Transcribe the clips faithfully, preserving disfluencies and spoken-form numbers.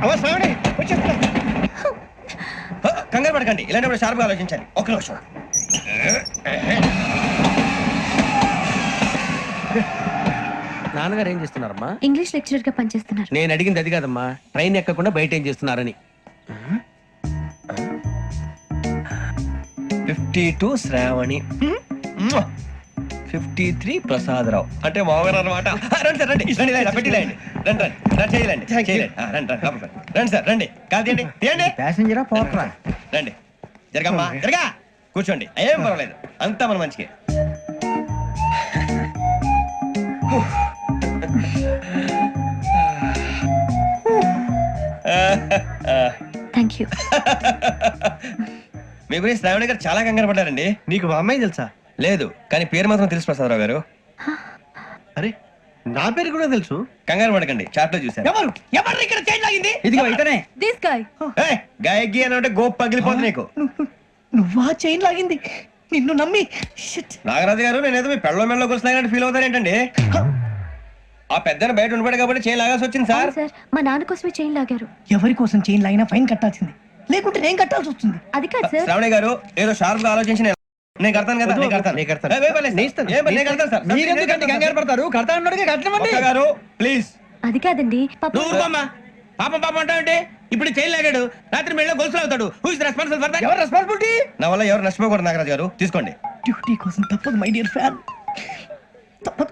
కంగారు పడకండి, ఇలాంటప్పుడు షార్ప్గా ఆలోచించాలి. ఒక్క నిమిషం. నాన్నగారు ఏం చేస్తున్నారమ్మా? ఇంగ్లీష్ లెక్చరర్ గా పనిచేస్తున్నారు. నేను అడిగింది అది కాదమ్మా, ట్రైన్ ఎక్కకుండా బయట ఏం చేస్తున్నారని. Fifty two Sravani, fifty three Prasadarao అంటే మామగారు అనమాట. రండి సార్, రండి రండి రండి పెట్టి రండి రండి రండి రండి చేయలేండి చేయలేండి రండి రండి లోపలికి రండి. రండి సార్ రండి, కాదు తీయండి తీయండి. ప్యాసింజరా పోట్రా? రండి జరగమ్మా జరగా, కూర్చోండి, ఏం పర్వాలేదు, అంతా మన మంచికే. Thank you. మీ గురించి శ్రావణి గారు చాలా కంగారు పడ్డారండి. నీకు మా అమ్మాయి తెలుసా? లేదు, కానీ పేరు మాత్రం తెలుసు ప్రసాదరావు గారు. అరే నా పేరు కూడా తెలుసు. కంగారు పడకండి, చాట్ లో చూసాను. ఎవరు ఎవరు ఇక్కడ చైన్ లాగింది? ఇదిగో ఇతనే. This guy. గాయకి అని అంటే గోప్ పగిలిపోతుంది నీకు. నువ్వా చైన్ లాగింది? నిన్ను నమ్మి. నాగరాజు గారు, నేనేదో మీ పెళ్ళ మెళ్ళలో గురిసిలాగినట్టు ఫీల్ అవుతారు ఏంటండి? ఆ పెద్దని బయట ఉండిపోయాడు కాబట్టి చైన్ లాగాల్సి వచ్చింది సార్. సార్ మా నాన్న కోసమే చైన్ లాగారు. ఎవరి కోసం చైన్ లాగినా ఫైన్ కట్టాల్సింది, లేకుంటే నేను కట్టాల్సి వస్తుంది. అది కాదు సార్. శ్రావణి గారు ఏదో షార్ప్ గా ఆలోచించి నేను- నేను కడతాను కదా, నేను కడతాను. నేను కడతాను. ఏ, ఏ, పర్లేదు సార్. ఏ, నేను కడతాను సార్. మీరెందుకంటే కంగారు పడతారు? కడతా అన్నాడుగా కట్టమండి. ఒక్క గారు ప్లీజ్. అది కాదండి పాప. నువ్వు ఊరుకోమ్మా. పాపం పాపం అంటావంటే ఇప్పుడు చైన్ లాగాడు, రాత్రి మెళ్ళ గొలుసులు అవుతాడు. Who is responsible for that? ఎవరు రెస్పాన్సిబిలిటీ? నా వల్ల ఎవరు నష్టపోకూడదు నాగరాజు గారు, తీసుకోండి. డ్యూటీ కోసం తప్పదు మై డియర్ ఫ్యాన్, తప్పదు.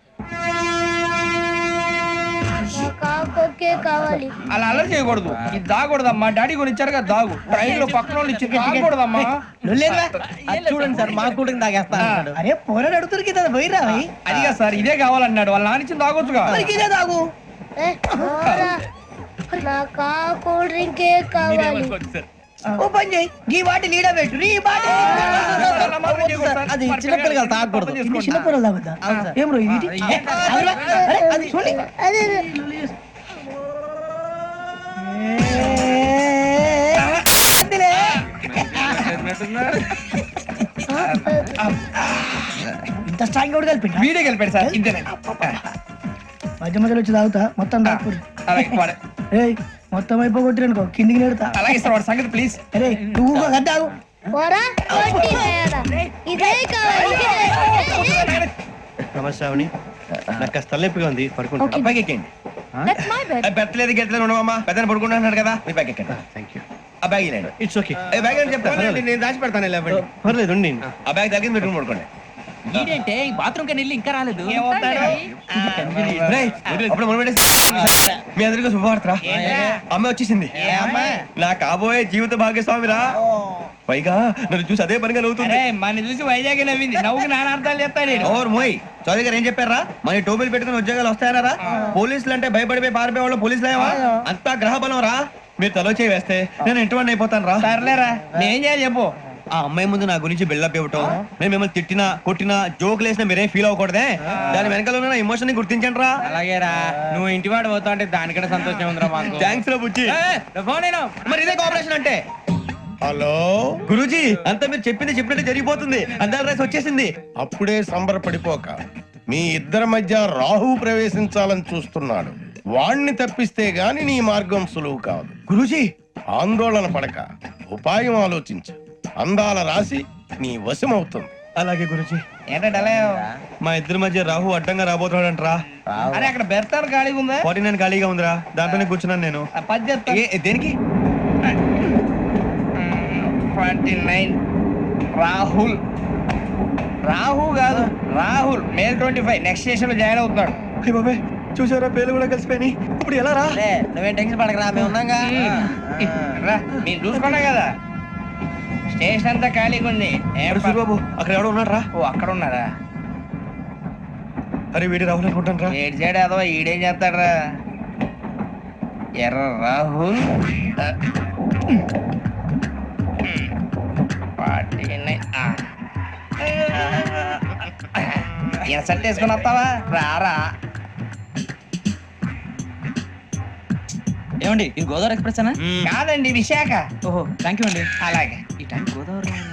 కావాలి. అలా అలర్ చేయకూడదు, ఇది దాగకూడదమ్మా. డాడీ కొని ఇచ్చారు కదా దాగు, ట్రైన్ లో పక్కన వాళ్ళు ఇచ్చి దాగకూడదమ్మా. చూడండి సార్, మా కూడా తాగేస్తాను. అరే పోరాడు అడుగుతారు కదా, పోయిరా. అదిగా సార్, ఇదే కావాలన్నాడు. వాళ్ళ నాన్న ఇచ్చింది తాగొచ్చుగా. ఇదే తాగు. ఏ, పోరా. నాకు ఆ కూల్ డ్రింకే కావాలి. ఓ పని చేయి, ఈ బాటి లీడ పెట్టు. ఈ బాటి అది చిన్నపిల్లలు తాగకూడదు, చిన్నపిల్లలు తాగుతా. ఏం రో ఇది? అది చూడండి. అదే ఇంత స్ట్రాంగ్ కూడా కలిపి వీడే గెలిపాడు సార్, ఇంతేనే. మధ్య మధ్యలో వచ్చి తాగుతా, మొత్తం తాగుతుంది. అలాగే వాడు- ఏయ్ మొత్తం అయిపోగొట్టిరనుకో కిందికి నేడుతా. అలాగే సార్, వాడు సంగతి ప్లీజ్. అరే నువ్వు కద్దాగు. పోరా, కొట్టి వేయరా. ఇదే కావాలి, ఇదే. నమస్తే శ్రావణి, నాకు కాస్త తలెప్పిగా ఉంది, పడుకుంటా. Okay. బ్యాగ్ ఎక్కండి. That's my bed. పెట్టలేదు గెట్టలేదు ఉండవమ్మా, పెద్దని పడుకుంటున్నాడు కదా, మీ బ్యాగ్ ఎక్కండి. Thank you. ఆ బ్యాగ్ ఇలాండి. It's okay. ఏ బ్యాగ్ అని చెప్తాను, నేను దాచి పెడతాను. పర్లేదు ఉండి. ఆ బ్యాగ్ తగ్గింది పెట్టుకుని పడుకోండి. ఏంటంటే బాత్రూమ్ కని వెళ్ళి ఇంకా రాలేదు. రేయ్, అప్పుడు మొదలు పెట్టేసి మీ అందరికీ శుభవార్తరా, అమ్మ వచ్చేసింది. నా కాబోయే జీవిత భాగ్యస్వామిరా. పైగా నన్ను చూసి అదే పనిగా నవ్వుతుంది. మన చూసి వైజాగ్ నవ్వింది, నవ్వుకి నాన్న అర్థాలు చెప్తాడు. ఓర్ మోయ్, చౌదరి గారు ఏం చెప్పారా? మన టోబీలు పెట్టుకుని ఉద్యోగాలు వస్తాయనరా? పోలీసులు అంటే భయపడిపోయి పారిపోయే వాళ్ళు పోలీసులు ఏవా? అంతా గ్రహ బలం రా. మీరు తలో చేయి వేస్తే నేను ఇంటి అయిపోతాను రా. సర్లేరా, నేం చేయాలి చెప్పు. ఆ అమ్మాయి ముందు నా గురించి బిల్డప్ ఇవ్వటం, నేను మిమ్మల్ని తిట్టినా కొట్టినా జోకులు వేసినా మీరేం ఫీల్ అవ్వకూడదే. దాని వెనకాల ఉన్న ఎమోషన్ ని గుర్తించండి రా. అలాగేరా, నువ్వు ఇంటి వాడు పోతా అంటే దానికంటే సంతోషం ఉందిరా మాకు. థ్యాంక్స్ రా బుజ్జి. ఫోన్ అయినా మరి ఇదే కోఆపరేషన్ అంటే. హలో గురూజీ, అంతా మీరు చెప్పింది చెప్పినట్టు జరిగిపోతుంది. అందాల రైస్ వచ్చేసింది. అప్పుడే సంబరపడిపోక, మీ ఇద్దరి మధ్య రాహు ప్రవేశించాలని చూస్తున్నాడు. వాణ్ణి తప్పిస్తే గాని నీ మార్గం సులువు కాదు. గురూజీ, ఆందోళన పడక, ఉపాయం ఆలోచించు. అందాల రాశి నీ వశమవుతుంది. అలాగే గురూజీ. ఏంటంటే మా ఇద్దరి మధ్య రాహు అడ్డంగా రాబోతున్నాడంట్రా. అరే అక్కడ బెర్తాను ఖాళీగా ఉందా? ఫార్టీ నైన్ ఖాళీగా ఉందిరా, దాంట్లోనే కూర్చున్నాను నేను. పది చెప్తా. ఏ, దేనికి? Twenty nine Rahul. రాహు కాదు, Rahul. May twenty five next station లో జాయిన్ అవుతున్నాడు. అయ్య బాబాయ్, చూసారా పేర్లు కూడా కలిసిపోయినాయి. ఇప్పుడు ఎలా రా? నువ్వేం టెన్షన్ పడకరా, మేము ఉన్నాగా. రా, మీరు చూసుకున్నా కదా, స్టేషన్ అంతా ఖాళీగా ఉంది. ఏం అరే ప- సూరిబాబు, అక్కడ ఎవడో ఉన్నాడు రా. ఓ అక్కడ ఉన్నారా? అరే వీడి రాహుల్ అనుకుంటాను రా. ఏడు చేయడం అదవా, ఈడేం చేస్తాడరా? ఎర్ర రాహుల్. ఇన్సర్ట్ వేసుకుని వస్తావా? రారా. ఏమండి ఇది గోదావరి ఎక్స్ప్రెస్ అనా? కాదండి, విశాఖ. ఓహో థ్యాంక్ యూ అండి. అలాగే.